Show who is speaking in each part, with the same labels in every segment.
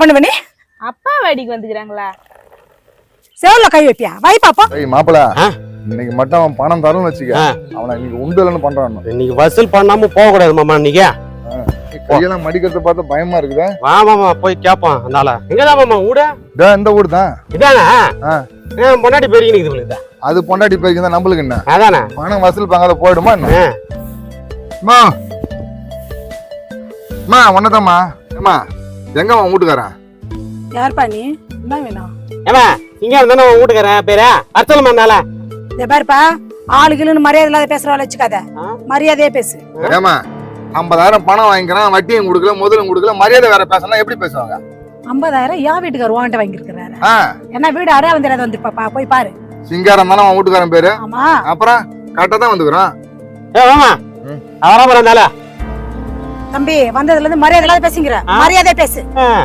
Speaker 1: பண்ணுவ நீ?
Speaker 2: அப்பா வேடிக்கு வந்துக்கிறாங்களா?
Speaker 1: செவல்ல கை வைப்பியா? வை பாப்போம்.
Speaker 3: ஏய் மாப்பிள, இன்னைக்கு மட்டும் அவன் பணம் தரணும்னு வச்சுக்க, அவனை இன்னைக்கு உண்டுலன்னு பண்றான்.
Speaker 4: இன்னைக்கு வசூல் பண்ணாம போக கூடாது மாமா. இன்னைக்கு
Speaker 3: கையெல்லாம் மடிக்கிறத பார்த்து பயமா இருக்குதா?
Speaker 4: வா மாமா போய் கேட்பான். அதனால எங்கதான் மாமா ஊட?
Speaker 3: இந்த ஊர் தான்.
Speaker 4: இதானே பொண்டாட்டி பெருகி நிக்குது.
Speaker 3: அது பொண்டாட்டி பேருக்கு தான், நம்மளுக்கு என்ன?
Speaker 4: அதானே
Speaker 3: பணம் வசூல் பண்ணாத போயிடுமா என்ன? ஒன்னதாம்மா. ஏமா எங்க அவன் வீட்டுக்காரன்?
Speaker 1: யார்ப்பா நீ? என்ன வேணும்?
Speaker 4: ஏமா இங்க வந்தானே உன் வீட்டுக்காரன் பேரா அர்த்தம் பண்ணால.
Speaker 1: இத பாருப்பா, ஆளுகளுன்னு மரியாதை இல்லாத பேசுறவள வச்சுக்காத, மரியாதையே பேசு.
Speaker 3: ஏமா 50,000 பணம் வாங்கிக்கிறான், வட்டியும் கொடுக்கல, முதலும் கொடுக்கல, மரியாதை வேற பேசணும், எப்படி பேசுவாங்க?
Speaker 1: 50,000 யா வீட்டுக்கார வாங்கிட்ட வாங்கிருக்காரு. என்ன வீடு அரையா வந்து வந்துருப்பாப்பா, போய் பாரு.
Speaker 3: சிங்காரம் தானே அவன் வீட்டுக்காரன் பேரு.
Speaker 1: ஆமா,
Speaker 3: அப்புறம் கரெக்டா தான் வந்துக்கிறான்.
Speaker 4: அவரா
Speaker 1: தம்பி வந்ததுல இருந்து மரியாதை இல்லாத பேசுங்கிற, மரியாதை பேசு.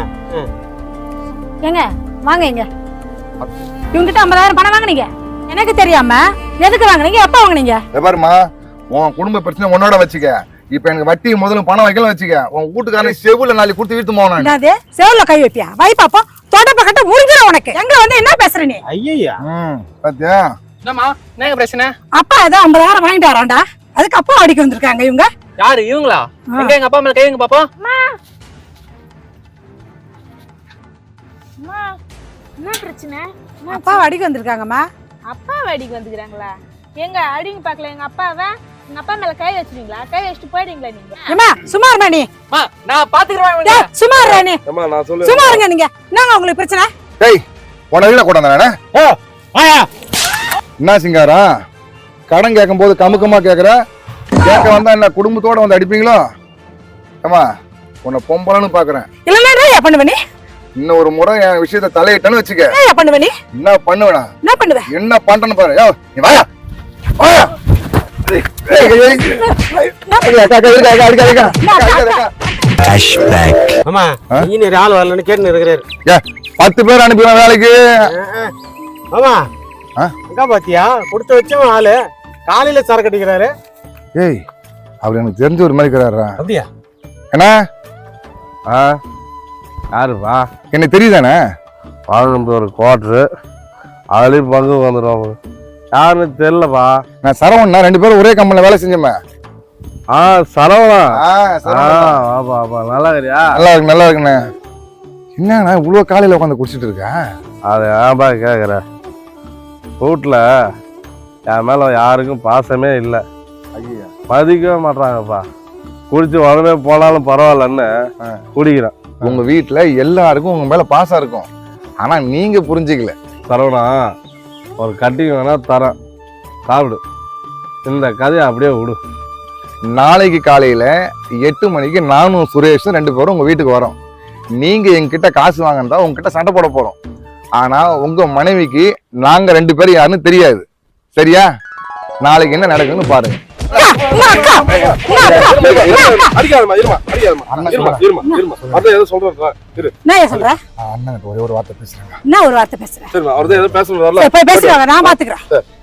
Speaker 1: ஏங்க வாங்க, இங்க இவங்கிட்ட 50,000 பணம் வாங்குனீங்க, எனக்கு தெரியாம எதுக்கு வாங்குனீங்க? எப்ப வாங்குனீங்க?
Speaker 3: பாருமா, உன் குடும்ப பிரச்சனை உன்னோட வச்சுக்க. இப்ப எனக்கு வட்டி முதலும் பணம் வைக்கலாம் வச்சுக்க, உன் வீட்டுக்காரன் செவுல நாளைக்கு கொடுத்து வீட்டு போனா
Speaker 1: என்னது? செவுல கை வைப்பியா? வை பாப்போம். தொடப்ப கட்ட முடிஞ்சிர உனக்கு. எங்க வந்து என்ன பேசுற நீ?
Speaker 4: ஐயா
Speaker 3: பாத்தியா?
Speaker 5: என்னம்மா என்ன பிரச்சனை?
Speaker 1: அப்பா ஏதோ 50,000 வாங்கிட்டு வரான்டா, அதுக்கு அப்பா அடிக்க வந்திருக்காங்க இவங்க.
Speaker 5: யாரு இவங்களா? எங்க எங்க அப்பா மேல கைங்க பாப்போம்.
Speaker 2: என்ன பிரச்சனை?
Speaker 1: அப்பா அடிக்க வந்திருக்காங்கம்மா.
Speaker 2: அப்பா வேடிக்கு வந்துக்கிறாங்களா? எங்க அடிங்க பாக்கல எங்க அப்பாவை. எங்க அப்பா மேல கை வச்சுட்டீங்களா? கை வச்சுட்டு போயிடுங்களா நீங்க?
Speaker 1: ஏமா சும்மா இருமா நீ.
Speaker 5: நான் பாத்துக்கிறேன்.
Speaker 1: டேய் சும்மா இருடா நீ.
Speaker 3: நான் சொல்ல
Speaker 1: சும்மா இருங்க நீங்க. என்னங்க உங்களுக்கு பிரச்சனை?
Speaker 3: டேய் உன வீட கொண்டு வந்தானே. என்ன சிங்காரம், கடன் கேட்கும் போது கமுக்கமா கேக்குற, கேட்க வந்தா என்ன குடும்பத்தோட வந்து அடிப்பீங்களோ? ஏமா உன்னை பொம்பளன்னு பாக்குறேன்.
Speaker 1: இல்ல என்ன பண்ணுவ நீ?
Speaker 3: இன்னும் ஒரு முறை என் விஷயத்தை தலையிட்டன்னு வச்சுக்க.
Speaker 1: என்ன பண்ணுவ நீ?
Speaker 3: என்ன பண்ணுவேனா?
Speaker 1: என்ன பண்ணுவ?
Speaker 3: என்ன பண்றேன்னு பாரு. யோ நீ வாயா வாயா.
Speaker 4: மாமா இன்ஜினியர் ஆள் வரலன்னு கேட்டு இருக்கிறாரு.
Speaker 3: 10 பேர் அனுப்பிடுவேன் வேலைக்கு.
Speaker 4: மாமா எங்க பாத்தியா கொடுத்து வச்சவன் ஆளு காலையில சரக்கு அடிக்கிறாரு.
Speaker 3: ஏய் அவர் எனக்கு தெரிஞ்ச ஒரு மாதிரி இருக்கிறாரா?
Speaker 4: அப்படியா?
Speaker 3: என்ன
Speaker 6: யாருப்பா?
Speaker 3: எனக்கு தெரியுதானே?
Speaker 6: 11 குவார்டரு அதுலயும் பங்கு வந்துடும். யாருன்னு தெரியலப்பா.
Speaker 3: நான் சரவணா, 2 பேரும் ஒரே கம்பெனில வேலை செஞ்சோமே.
Speaker 6: சரவணா.
Speaker 3: வாப்பா
Speaker 6: நல்லா இருக்கியா?
Speaker 3: நல்லா இருக்குண்ணே. என்னண்ணா இவ்வளவு காலையில உட்காந்து குடிச்சிட்டு இருக்க?
Speaker 6: அது ஏன்பா கேக்குற? வீட்டுல என் மேல யாருக்கும் பாசமே இல்லை, மதிக்கவே மாட்டாங்கப்பா. குடிச்சு உடனே போனாலும் பரவாயில்லன்னு குடிக்கிறேன்.
Speaker 3: உங்க வீட்டுல எல்லாருக்கும் உங்க மேல பாசம் இருக்கும், ஆனா நீங்க புரிஞ்சுக்கல.
Speaker 6: சரவணா ஒரு கட்டிங் வேணா தரேன், சாப்பிடு. இந்த கதையை அப்படியே விடு.
Speaker 3: நாளைக்கு காலையில 8 மணிக்கு நானும் சுரேஷும் 2 பேரும் உங்க வீட்டுக்கு வரோம். நீங்க எங்ககிட்ட காசு வாங்கினா உங்ககிட்ட சண்டை போட போறோம். ஆனா உங்க மனைவிக்கு நாங்க 2 பேரும் யாருன்னு தெரியாது. சரியா? நாளைக்கு என்ன நடக்குன்னு பாருங்க.
Speaker 1: ஒரே ஒரு வார்த்தை பேசுறேன். என்ன ஒரு வார்த்தை பேசுறேன்? நான் பாத்துக்கிறேன்.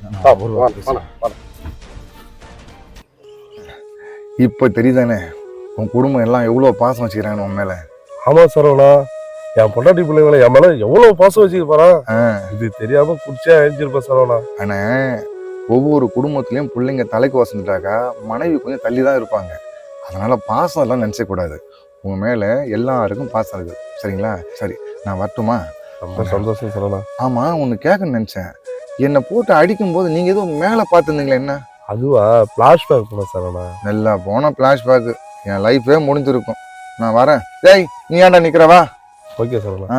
Speaker 3: இப்ப தெரியுதானே உன் குடும்பம் எல்லாம் எவ்வளவு பாசம் வச்சுக்கிறாங்க உன் மேல?
Speaker 6: ஆமா சரவணா, என் பொண்டாட்டி பிள்ளைங்களை என் மேல எவ்வளவு பாசம் வச்சுக்க போறான். இது தெரியாம குடிச்சா அழிஞ்சிருப்பேன் சரவணா.
Speaker 3: ஆனா ஒவ்வொரு குடும்பத்திலயும் பிள்ளைங்க தலைக்கு வசந்துட்டாக்கா மனைவி கொஞ்சம் தள்ளி தான் இருப்பாங்க. அதனால பாசம் எல்லாம் நினைச்ச கூடாது. உங்க மேல எல்லாருக்கும் பாசம் இருக்கு. சரிங்களா? சரி நான் வரட்டுமா?
Speaker 6: ரொம்ப சந்தோஷம் சரவணா.
Speaker 3: ஆமா ஒன்னு கேட்கணும்னு நினைச்சேன். என்னை போட்டு அடிக்கும் போது நீங்க ஏதோ மேல பாத்துருந்தீங்களா? என்ன
Speaker 6: அதுவா? பிளாஷ்பேக் போன சரவணா.
Speaker 3: நல்லா போன பிளாஷ்பேக். என் லைஃபே முடிஞ்சிருக்கும். நான் வரேன். டேய் நீ ஏன்டா நிக்கிறவா?
Speaker 6: ஓகே சரவணா.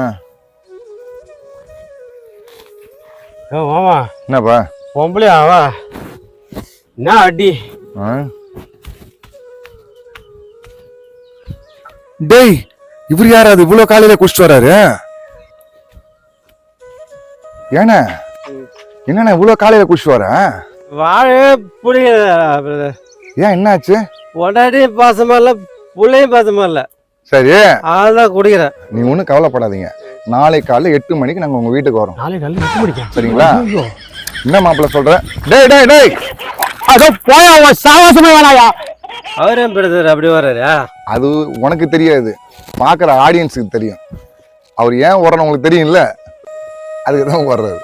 Speaker 4: மாமா
Speaker 3: என்னப்பா
Speaker 4: பொம்பளையாவா? என்ன அடி?
Speaker 3: டேய் இவர் யாராவது இவ்வளவு காலையில குடிச்சிட்டு வராரு? ஏன்னா என்னண்ணா இவ்வளவு காலையில குடிச்சிட்டு வர?
Speaker 4: வாழ புரியல.
Speaker 3: ஏன் என்னாச்சு?
Speaker 4: பொண்டாட்டி பாசமா இல்ல, புள்ளையும் பாசமா இல்ல.
Speaker 3: சரி
Speaker 4: அதான் குடிக்கிறேன்.
Speaker 3: நீ ஒன்றும் கவலைப்படாதீங்க. நாளைக்கு காலைல 8 மணிக்கு நாங்க உங்க வீட்டுக்கு வரோம்.
Speaker 4: நாளைக்கு காலையில 8 மணிக்கு?
Speaker 3: சரிங்களா? என்ன மாப்பிள்ள சொல்ற? டேய் டேய் டேய்
Speaker 4: அதோ போயா சாவாசமே வேணாயா. அவரே பிரதர் அப்படி வர்றாரு.
Speaker 3: அது உனக்கு தெரியாது, பாக்குற ஆடியன்ஸுக்கு தெரியும். அவர் ஏன் ஓடுறன்னு உங்களுக்கு தெரியும்ல, அதுக்கு தான் ஓடுறாரு.